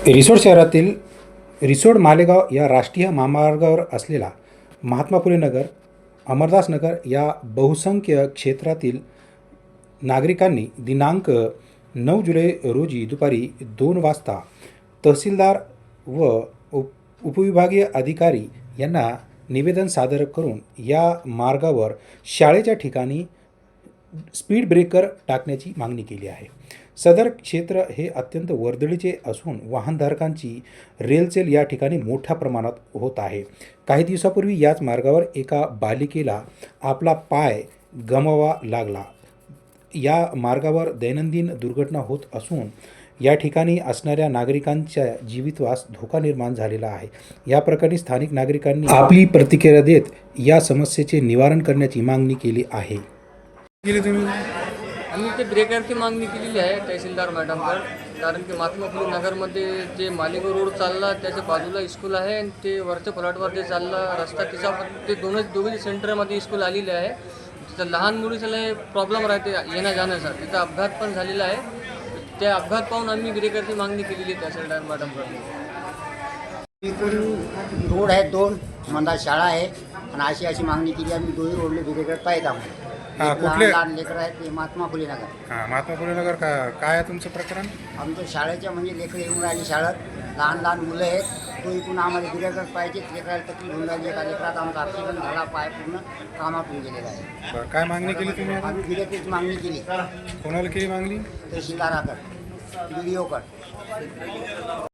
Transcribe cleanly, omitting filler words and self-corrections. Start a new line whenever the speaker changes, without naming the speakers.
रिसोड शहरातील रिसोड मालेगाव या राष्ट्रीय महामार्गावर असलेला महात्मा फुले नगर, अमरदास नगर या बहुसंख्य क्षेत्रातील नागरिकांनी दिनांक 9 जुलै रोजी दुपारी 2 वाजता तहसीलदार व उपविभागीय अधिकारी यांना निवेदन सादर करून या मार्गावर शाळेच्या ठिकाणी स्पीड ब्रेकर टाकण्याची मागणी केली आहे. सदर क्षेत्र हे अत्यंत वर्दळीचे असून वाहनधारकांची रेलचेल या ठिकाणी मोठ्या प्रमाणात होत आहे. काही दिवसापूर्वी याच मार्गावर एका बालिकेला आपला पाय गमवावा लागला. या मार्गावर दैनंदिन दुर्घटना होत असून या ठिकाणी असणाऱ्या नागरिकांच्या जीवितवास धोका निर्माण झालेला आहे. या प्रकरणी स्थानिक नागरिकांनी आपली प्रतिक्रिया देत या समस्येचे निवारण करण्याची मागणी केली आहे.
आम्ही ते ब्रेकरची मागणी केलेली आहे तहसीलदार मॅडमवर. कारण की महात्मा फुले नगरमध्ये जे मालेगाव रोड चालला त्याच्या बाजूला स्कूल आहे आणि ते वरच्या प्लॉटवर जे चालला रस्ता तिचा ते दोघी सेंटरमध्ये स्कूल आलेले आहे. तिथं लहान मुलीला प्रॉब्लेम राहते येण्या जाण्याचा. तिथं अपघात पण झालेला आहे. त्या अपघात पाहून आम्ही ब्रेकरची मागणी केलेली आहे तहसीलदार मॅडमवर.
इकडून रोड आहेत 2 मंदा शाळा आहे आणि अशी मागणी केली. आम्ही दोन्ही रोडले ब्रेकर पाहिजे आम्हाला.
कुठले
लहान लेकरं आहेत ते महात्मा फुले नगर.
महात्मा फुले नगर काय आहे तुमचं प्रकरण?
आमच्या शाळेच्या म्हणजे लेकरं येऊन राहिली शाळेत. लहान मुलं आहेत. तो इकडून आम्हाला ब्रेकर पाहिजे. लेकराला तकलीफ होऊन राहिली. एका लेकरात आमचा ॲक्सिडेंट झाला. पाय पूर्ण कामातून गेलेला आहे.
काय मागणी केली तुम्ही?
आम्ही ब्रेकरची मागणी केली.
कोणाला केली मागणी?
तहसीलदाराकडे, BDO कडे.